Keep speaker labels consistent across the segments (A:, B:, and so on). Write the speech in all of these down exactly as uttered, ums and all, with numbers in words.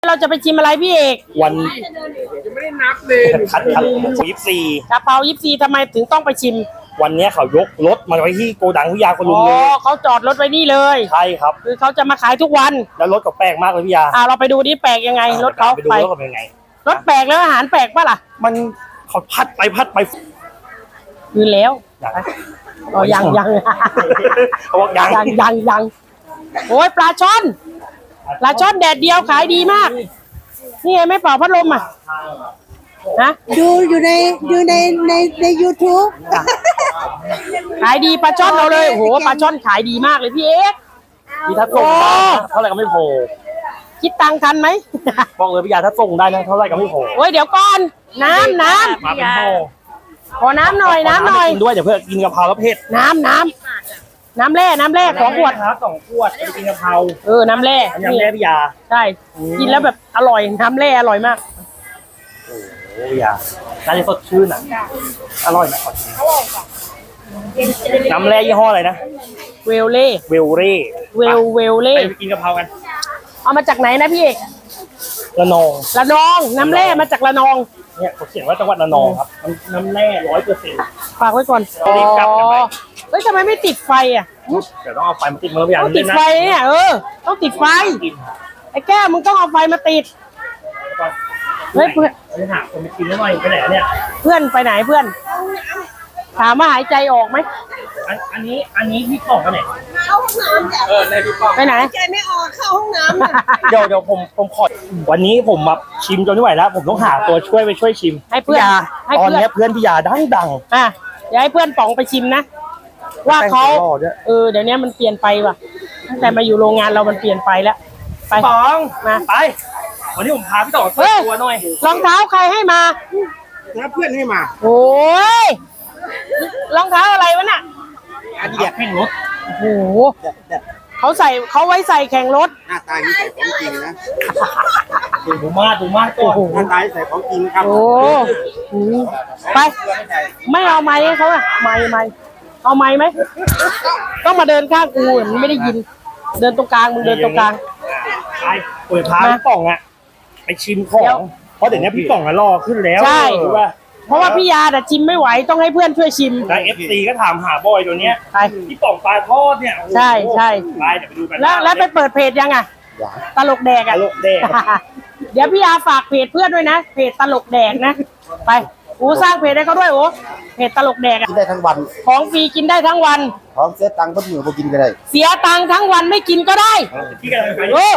A: เราจะไปชิมอะไรพี่เอก
B: วัน
C: ยังไม่ได้นับเลย
B: คัดคัดยี่สิบสี่
A: กะเพรายิปซีทำไมถึงต้องไปชิม
B: วันนี้เขายกรถมาไว้ที่โกดังพิยาคนลุง
A: อ๋
B: เลย
A: อเขาจอดรถไว้นี่เลย
B: ใช่ครับ
A: คือเขาจะมาขายทุกวัน
B: แล้วรถก็แปลกมากเลยพี่ยา
A: อ่าเราไปดูนี่แปลกยังไงรถเขา
B: ไปดูรถเขาเป็นยังไง
A: รถแปลกแล้วอาหารแปลกป่ะล่ะ
B: มันเขาพัดไปพัดไป
A: คือแล้วอ๋อยังยัง
B: เขาบอกยัง
A: ยังยังยังโอ้ยปลาช่อนปลาช่อนแดดเดียวขายดีมากนี่ไงไม่เป่าพัดลมอ่ะนะ
D: ดูอยู่ในอยู่ในในใน ยูทูบ
A: ขายดีปลาช่อนเราเลยโอ้โหปลาช่อนขายดีมากเลยพี่เอ๊ะ
B: พี่ถ้าส่งเท่าไหร่ก็ไม่พอ
A: คิดตังค์ทันไหม
B: บอกเลยพี่ยาถ้าส่งได้นะเท่าไหร่ก็ไม่พอ
A: โอ้ยเดี๋ยวก่อนน้ำน้ำ
B: มาเป็นโม่
A: ขอน้ำหน่อยน้ำหน่อย
B: ด้วยเดี๋ยวเพื่อกินกะเพราแล้วเผ็ด
A: น้ำน้ำน้ำแร่น้ำแร่สองขวด
B: ครับสองขวดกินกะเพรา
A: เออน้ำแร่
B: น้ำแร่พี่ยา
A: ใช่กินแล้วแบบอร่อยน้ำแร่อร่อยมาก
B: โอ้ยาน่าจะสดชื่นอ่ะอร่อยไหมขอชิมน้ำแร่ยี่ห้ออะไรนะ
A: เวลเล่
B: เวลเล่
A: เวลเวลเล่
B: ไปกินกะเพรากัน
A: เอามาจากไหนนะพี่เอก
B: ระนอง
A: ระนองน้ำแร่มาจากระนอง
B: เนี่ยเขาเขียนว่าจังหวัดระนองครับน้ำแร่ร้อยเปอร์เซ็นต์
A: ฝากไว้ก่อน
B: รีบกลับกันไป
A: เฮ้ยทำไมไม่ติดไฟอ่ะ
B: เดี๋ยวต้องเอาไฟมาติดมือพี่ยา
A: ต้องติดไฟเนี่ยเออต้องติดไฟไอ้แก้วมึงต้องเอาไฟมาติดเฮ้ยเพื่อน
B: ไปหาคนไปกินแล้วหน่อยไปไหนเนี่ย
A: เพื่อนไปไหนเพื่อนถามว่าหายใจออกไหม
B: อันนี้อันนี้พี่กล่องกันไหน
D: เข้าห้องน้ำ
B: เออในพี่กล่อง
A: ไปไหน
D: ใจไม่ออกเข้าห้องน้ำ
B: เดี๋ยวเดี๋ยวผมผมขอวันนี้ผมมาชิมจนไม่ไหวแล้วผมต้องหาตัวช่วยไปช่วยชิม
A: ให้เพื่อน
B: ตอนนี้เพื่อนพี่ยาดังดัง
A: อ่ะเดี๋ยวให้เพื่อนป๋องไปชิมนะว่าเขาเออเดี๋ยวนี้มันเปลี่ยนไปว่ะตั้งแต่มาอยู่โรงงานเรามันเปลี่ยนไปแล้วไป
B: ป๋อง
A: มา
B: ไปวันนี้ผมพาพี่ต่อเปิดตัวหน่อย
A: รองเท้าใครให้มา
C: แล้วเพื่อนให้มา
A: โอ้ยรองเท้าอะไรวะน่ะ
B: อันนี้แข่งรถ
A: โอ้โหเขาใส่เขาไว้ใส่แข่งรถ
C: หน้าตาที่ใส่ของจริงนะ
B: ดูมากดูมากก่อน
C: หน้าตาใส่ของจริงครับ
A: โอ้ไปไม่เอาไม้ให้เขาอะไม้ไม้เอาไม้ไหมต้องมาเดินข้างกูมันไม่ได้ยินเดินตรงกลางมึงเดินตรงกลาง
B: ไปเปิดพาพี่ป่องอะไปชิมของเพราะเดี๋ยวนี้พี่ป่องอะรอขึ้นแล้ว
A: ใช่เพราะว่าพี่ยาแต่ชิมไม่ไหวต้องให้เพื่อนช่วยชิม
B: แล้วเอฟซีก็ถามหาบอยตัวเนี้ยพี่ป่องปลาทอดเนี่ย
A: ใช่ใช่
B: ไปเดี๋ยวไปดูกัน
A: แล้วแล้วไปเปิดเพจยังอะตลกแดกอะ
B: ตลกแดก
A: เดี๋ยวพี่ยาฝากเพจเพื่อนด้วยนะเพจตลกแดกนะไปโอ้สร้างเพจให้เขาด้วยโอ้เพจตลกแดกอะ
C: กินได้ทั้งวัน
A: ของฟรีกินได้ทั้งวัน
C: ของเสียตังค์ก็มือพอกินก็ได้
A: เสียตังค์ทั้งวันไม่กินก็ได้เออ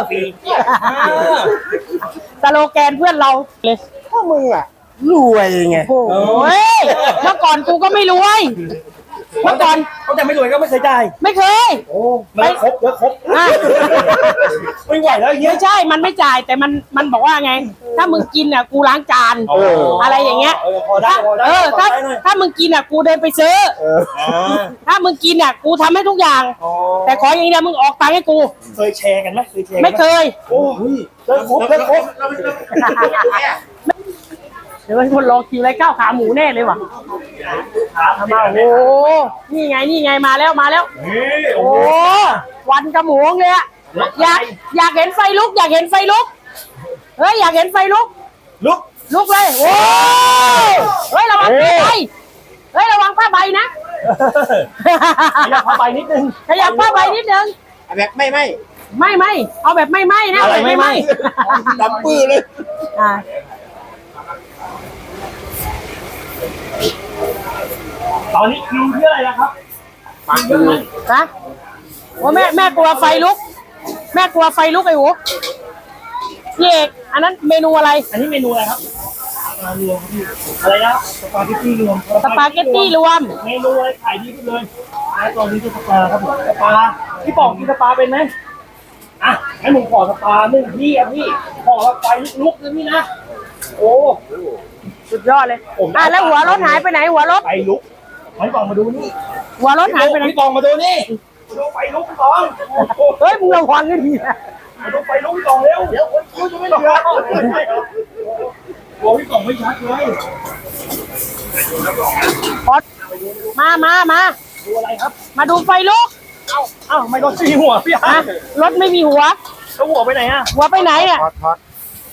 A: ตลกแกนเพื่อนเราเลย
C: พวกมึงอ่ะรวยไง
A: โอ้ยเมื่อก่อนกูก็ไม่รวยเมื่อก่อน
B: เขาจะไม่รวยก็ไม่เคยจ่าย
A: ไม่เคย
B: โอ้ไม่ครบแล้วครบไม่ไหวแล้วเงี้ย
A: ไม่ใช่มันไม่จ่ายแต่มันมันบอกว่าไงถ้ามึงกินอ่ะกูล้างจานอะไรอย่างเงี้ยเออถ้าถ้ามึงกินอ่ะกูเดินไปซื้อถ้ามึงกินอ่ะกูทำให้ทุกอย่างแต่ขออย่างเดียวมึงออกตังค์ให้กู
B: เคยแชร์กันไหมเคยแชร์
A: ไม่เคย
B: โอ้ยแล้วครบแล้วครบ
A: เดี๋ยวคนรอคิวไรข้าวขาหมูแน่เลยว่ะมาโอ้นี่ไงนี่ไงมาแล้วมาแล้วโอ้วันกระหมูเลยอะอยากอยากเห็นไฟลุกอยากเห็นไฟลุกเฮ้ยอยากเห็นไฟลุก
B: ลุก
A: ลุกเลยโอ้เฮ้ยระวังผ้าใบเฮ้ยระวังผ้าใบนะ
B: ขยับผ้าใบนิดนึง
A: ขยับผ้าใบนิดนึง
C: แบบไม่ไม่
A: ไม่ไม่เอาแบบไม่ไม่นะ
B: อะไรไม่ไม่
C: ดำปื้อเลย
B: ตอนนี้คิวที่อะไรนะครับ
C: ปังอยู่
A: ฮะว่าแม่แม่กลัวไฟลุกแม่กลัวไฟลุกไอ้หูพี่เอกอันนั้นเมนูอะไร
B: อันนี้เมนูอะไรครับรวมอะไรนะสปาเกตตี้รวม
A: สปาเกตตี้รวม
B: เมนูอะไรขายดีขึ้นเลยแล้วตอนนี้คือสปาครับผมสปาพี่ป๋องกินสปาเป็นไหมอ่ะให้ผมขอสปาหนึ่งพี่อ่ะพี่ขอไฟลุกเลยพี่นะโอ้
A: สุดยอดเลยอ่ะแล้วหัวรถหายไปไหนหัวรถ
B: ไฟลุกพี่ป๋องมาดูนี่
A: หัวรถหายไปไหน
B: พี่ป๋องมาดูนี่ดูไฟลุกพี่ป๋อง
A: เฮ้ยมึงระวังให้ดีนะ
B: มาดูไฟลุกพี่ป๋องเร็วเดี๋ยวคนคิวจะไม่เหลือโอ้พี่ป๋องไม่ชัดเลย
A: มามามา
B: ดูอะไรครับ
A: มาดูไฟลุก
B: เอ้าเอ้าไม่รถมีหัวพี่ฮะ
A: รถไม่มีหัว
B: แล้วหัวไปไหนอ่ะ
A: หัวไปไหนเนี่ย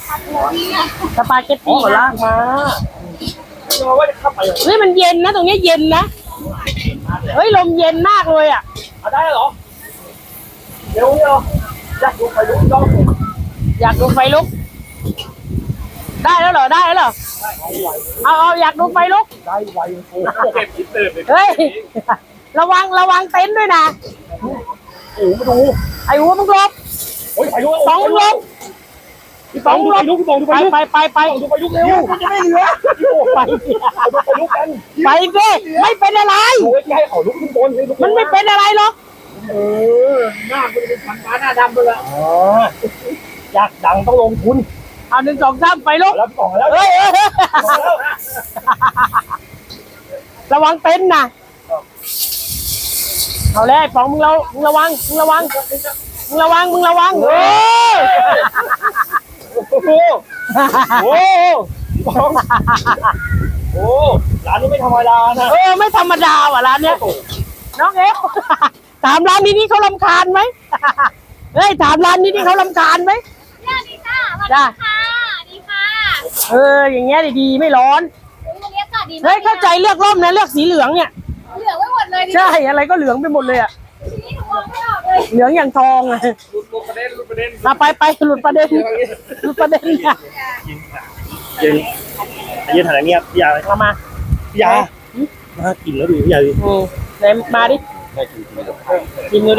A: สปาเกต
B: อ๋อ
A: ตี้
B: ลา
A: นะ
B: กมาเราว่าจะเข้าไปเหรอ
A: เฮ้ยมันเย็นนะตรงนี้เย็นนะเฮ้ยลมเย็นมากเลยอ่ะ
B: เอาได้เหรอเดี๋ยวเดี๋ยวอยากดูไปดูจ้อง
A: อยากดูไฟลุก ได้แล้วเหรอได้แล้วเหรอเอาเอาอยากดูไฟลุก
B: ได้ไวโอ้โหเก็บคิดตื่นเลย
A: เฮ้ยระวังระวังเต็นท์ด้วยนะ
B: โอ้โหมาดู
A: ไอ้หัวมึงหลบ
B: โอ้ยไปดู
A: สองมึงหลบ
B: พี่ปองดูไปลุกพี่ปองดู
A: ไป
B: ไปลุก
A: ไปไปไป
B: ดูไปลุกเร็วจะไม่เหลือโอ้
A: ไป
B: ดูไปลุกกัน
A: ไปสิไม่เป็นอะไร
B: ดูใกล้ๆเขาลุกขึ้นบนเลยลุก
A: มันไม่เป็นอะไรหรอก
B: เออหน้าคุณเป็นพันฟ้าหน้าดำไปละอ๋ออยากดังต้องลงทุน
A: เอาหนึ่งสองสามไปลุก
B: แล้วพี่ปองแล้ว
A: เฮ้ยเฮ้ยเฮ้ย
B: แล้ว
A: ระวังเต็นท์นะเอาเลยไอ้ป๋องมึงระมึงระวังมึงระวังมึงระวังมึงระวังเออ
B: โอ้โหโอ้พี่ปองโอ้ร้านนี้ไม่ธรรมดานะ
A: เออไม่ธรรมดาว่ะร้านเนี้ยน้องเอฟถามร้านนี้นี่เขารำคาญไหมเฮ้ยถามร้านนี้นี่เขารำคาญไหม
E: สวัสดีค่ะสวัส
A: จ้า
E: ดีค่ะสวัสดีค่ะ
A: เอออย่างเงี้ยดีๆไม่ร้อน
E: วันนี้อากาศดีมาก
A: เฮ้ยเข้าใจเลือกร่มนะเลือกสีเหลืองเนี่ย
E: เหลืองไม่หมดเลยดิ
A: ใช่อะไรก็เหลืองไปหมดเลยอะ
E: ทีนี้หนูมองไม่ออกเลย
A: เหลืองอย่างทองอะ
B: ลุดประเด็นลุดประเด็น
A: มาไปไปหลุดประเด็นหลุดประเด็นเนี่ย
B: ยืนยืนถ่ายเงียบพี่ยา
A: เอามา
B: พี่ยาน่ากินแล้วดูพี่ยาดิ
A: อืมไหนมาดิกินดูดิ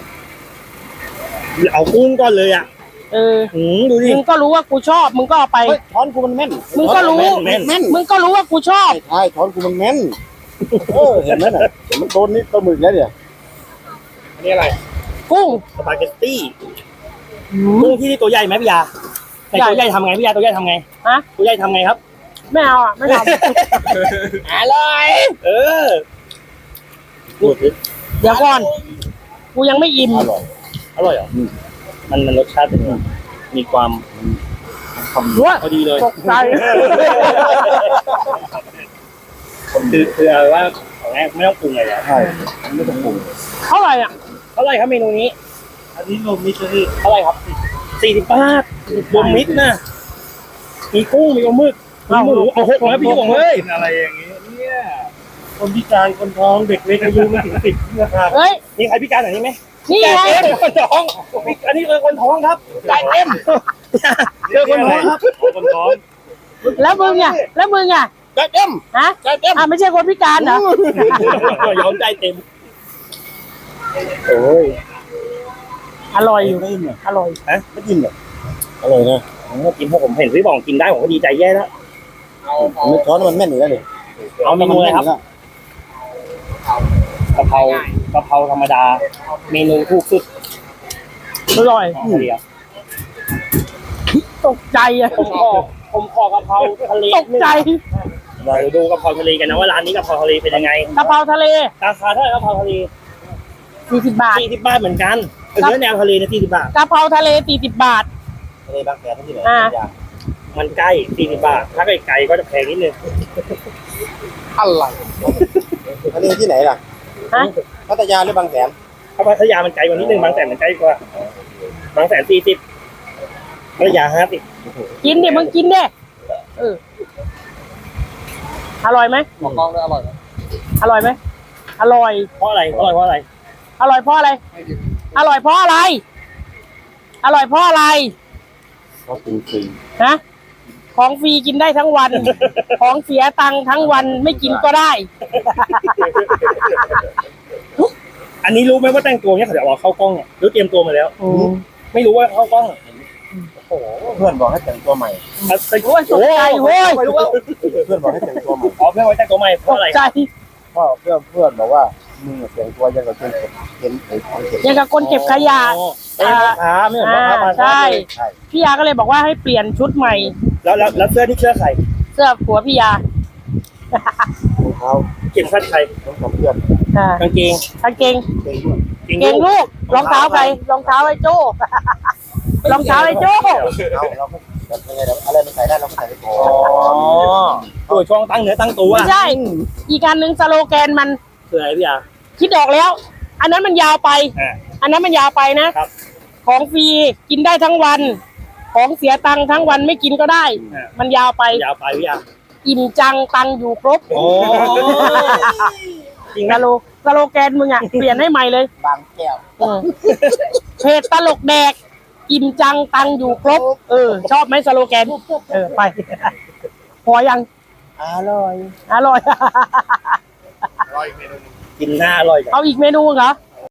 B: เอากุ้งก่อนเลยอ่ะ
A: เออ
B: หืมดูดิ
A: มึงก็รู้ว่ากูชอบมึงก็เอาไป
C: เฮ้ยช้อนกูมันแม่น
A: มึงก็รู้
B: แม่น
C: แม่น
A: มึงก็รู้ว่ากูชอบ
C: ใช่ช้อนกูมันแม่นเออเห็นไหมน่ะเห็นมันโดนนี่ปลาหมึกแล้วเนี่ย
B: อันนี้อะไร
A: กุ้ง
B: สปาเกตตี้กุ้งที่นี่ตัวใหญ่ไหมพี่ยาแต่ตัวใหญ่ทำไงพี่ยาตัวใหญ่ทำไง
A: ฮะ
B: ตัวใหญ่ทำไงครับ
A: ไม่เอาอ่ะไม่ท
B: อร่อยเออ
C: พูดสิ
A: ำเดี๋ยวก่อน กูยังไม่อิ่ม
C: อร่อย
B: อร่อยเหรอมันมันรสชาติเป็นไงมีความ
A: ด้วย
B: พอดีเลย
A: ตกใจ
B: คือคือเอาว่าของแรกไม่ต้องปรุงอะไรแล้ว
C: ใช่ไม่ต้องปรุง
A: เท่าไหร่อ่ะ
B: เท่าไหร่ครับเมนูนี้ อันนี้รวมมิตรเลยเท่าไหร่ครับสี่สิบบาทรวมมิตรนะมีกุ้งมีปลาหมึกมีหมูเอาหกนะพี่หงเฮ้ยอะไรอย่างนี้เนี่ยคนพิการคนท้องเด็กเล็กอายุไม่ถึงสิบนะครับ
A: เฮ้ย
B: มีใครพิการแบบนี้ไหม
A: นี่ไง
B: เต็มคนท้องอันนี้คือคนท้องครับจ่ายเต็มเจอคนท้องครับคนท้อง
A: แล้วมึงอ่ะแล้วมึงอ่ะ
C: ใจเต็ม
A: ฮะ
C: ใจเต็ม
A: อ่ะไม่ใช่คนพิการเหรอย
B: อมใจเต็ม
C: โอ้ย
A: อร่อยอยู่
C: ไม่กินเหรอ
A: อร่อย
B: ฮะ
C: ไม่กินเหรออร่อยนะ
B: ผมก็กินเพราะผมเห็นพี่บองกินได้ผมก็ดีใจแย่แล้ว
C: ไม่ช้อนมันแม่นอยู่แล้วนี่
B: เอาเมนูอะไรครับกะเพรากะเพราธรรมดา เมนูถูกสุด
A: อร่อย
B: เดียว
A: ตกใจอ่ะ
B: ผมขอผมขอกะเพราทะเล
A: ตกใจ
B: เราดูกะเพราทะเลกันนะว่าร้านนี้กะเพราทะเลเป็นยังไง
A: กะเพราทะเล
B: ราคาเท่าไหร่กะเพราทะเล
A: สี่สิบบาท
B: สี่สิบบาทเหมือนกันเนื้อแนวทะเลนะสี่สิบบาท
A: กะเพราทะเลสี่สิบบาท
C: ทะเลบางแสนที่ไหน
A: อ่า
C: อย่าง
B: มันใกล้สี่สิบบาท ถ้าไกลๆก็จะแพงนิดนึง
C: อะไรทะเลที่ไหนล่ะ
A: ฮะ
C: พัทยาหรือบางแสน
B: ถ้าพัทยามันไกลกว่านิดนึงบางแสนมันใกล้กว่าบางแสนสี่สิบพัทยาห้าสิบ
A: กินดิมึงกินดิเอออร่อยไหม
C: มองกล้องด้วยอร่อยไหม
A: อร่อยไหมอร่อย
B: เพราะอะไรอร่อยเพราะอะไร
A: อร่อยเพราะอะไร อร่อยเพราะอะไร อร่อยเพราะอะไร
C: เพราะกินฟรี
A: ฮะของฟรีกินได้ทั้งวัน ของเสียตังค์ทั้งวันไม่กินก็ได้
B: อันนี้รู้ไหมว่าแต่งตัวเนี้ยเขาจะเอาเข้ากล้องเนี่ยหรือเตรียมตัวมาแล้ว ไม่รู้ว่าเข้ากล้อง
C: โอ้โหเพื่อนบอกให้แต่งตัวใหม่
B: โอ้ย
A: ตกใจเว้ย
B: ไม่รู้ว่า
C: เพื่อนบอกให้แต่งตัวใหม่
B: อ๋อเพื่อนไว้แต่งตัวใหม่เพ
A: ต
B: ราะ
A: ก
B: อะไร
A: ใจ
C: เพราะเพื่อนเพื่อนบอกว่ามึงอะแต่งตัวยังกับเก็บเห็นไอ้ของเก็บ
A: ยังกับคนเก็บขยะ
B: อ๋อเป็นพ่อค้าไม่เหมือนพ่อค้า
A: อ่า
B: มา
A: ใช่
C: ใช่
A: พี่ยาก็เลยบอกว่าให้เปลี่ยนชุดใหม่
B: แล้วแล้วแล้วเสื้อนี่เสื้อใคร
A: เสื้อผัวพี่ยาร
C: องเท้า
B: เก็บคัดใคร
C: ต้องทำเพื่อน
A: อ่าก
B: างเกง
A: กางเกง
C: เก่งด้วย
A: เกงลูกรองเท้าใครรองเท้าไอ้โจ้ รองเท้าไอ้โจ้
C: เอาเราก็แบบยังไงเราอะไรมันใส่ได้เราก็ใส่ไปก่อ
B: อ๋อน ตัวช่วงตั้งเนื้อตั้งตัว
A: ไม่ใช่ อีกการหนึ่งสโลแกนมัน
B: คืออะไรพี่ยา
A: คิดออกแล้ว อันนั้นมันยาวไป
B: อ่า
A: อันนั้นมันยาวไปนะ
B: ครับ
A: ของฟรีกินได้ทั้งวันของเสียตังค์ทั้งวันไม่กินก็ได้ มันยาวไป
B: ยาวไปพี่อา
A: อิ่มจังตังค์อยู่ครบ
B: โอ้จริง
A: ส
B: นะ
A: โลสโลแกนมึงอ่ะ เปลี่ยนให้ใหม่เลย
C: บางแก้ว
A: เออเพจตลกแดก อิ่มจังตังค์อยู่ครบ เออ ชอบไหมสโลแกน เออ ไป พอยัง
C: อร่อย
A: อร่อย
B: กินหน้าอร่อยกัน
A: เอาอีกเมนูเหรอ